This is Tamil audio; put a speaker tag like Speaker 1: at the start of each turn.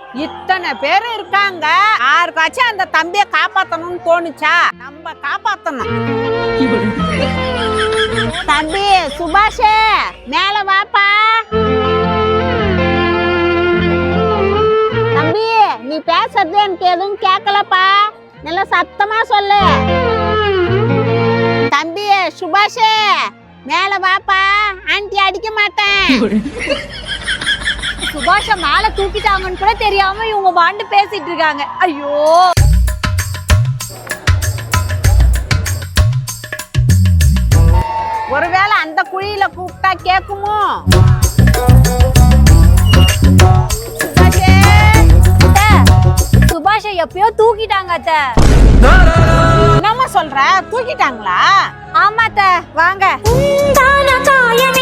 Speaker 1: இத்தனை பேர் இருக்காங்க, யாருக்காச்சும் அந்த தம்பியை காப்பாத்தணும்னு தோணுச்சா? நம்ம காப்பாத்தணும். தம்பி சுபாஷே, மேல வாப்பா. தம்பி, நீ பேசுறது எனக்கு எதுவும் கேட்கலப்பா, நல்லா சத்தமா சொல்லு. தம்பி சுபாஷே, மேல வாப்பா, ஆண்டி அடிக்க மாட்டேன்.
Speaker 2: சுபாஷ மேல தூக்கிட்டாங்கன்னு கூட தெரியாம இவங்க வாண்டு பேசிட்டு இருக்காங்க. ஐயோ,
Speaker 1: ஒருவேளை அந்த குழியில கூப்பிட்டா கேக்குமோ?
Speaker 2: சுபாஷ எப்பயோ தூக்கிட்டாங்க அத்தை.
Speaker 1: என்னம்மா சொல்ற? தூக்கிட்டாங்களா?
Speaker 2: ஆமா அத்தை, வாங்க.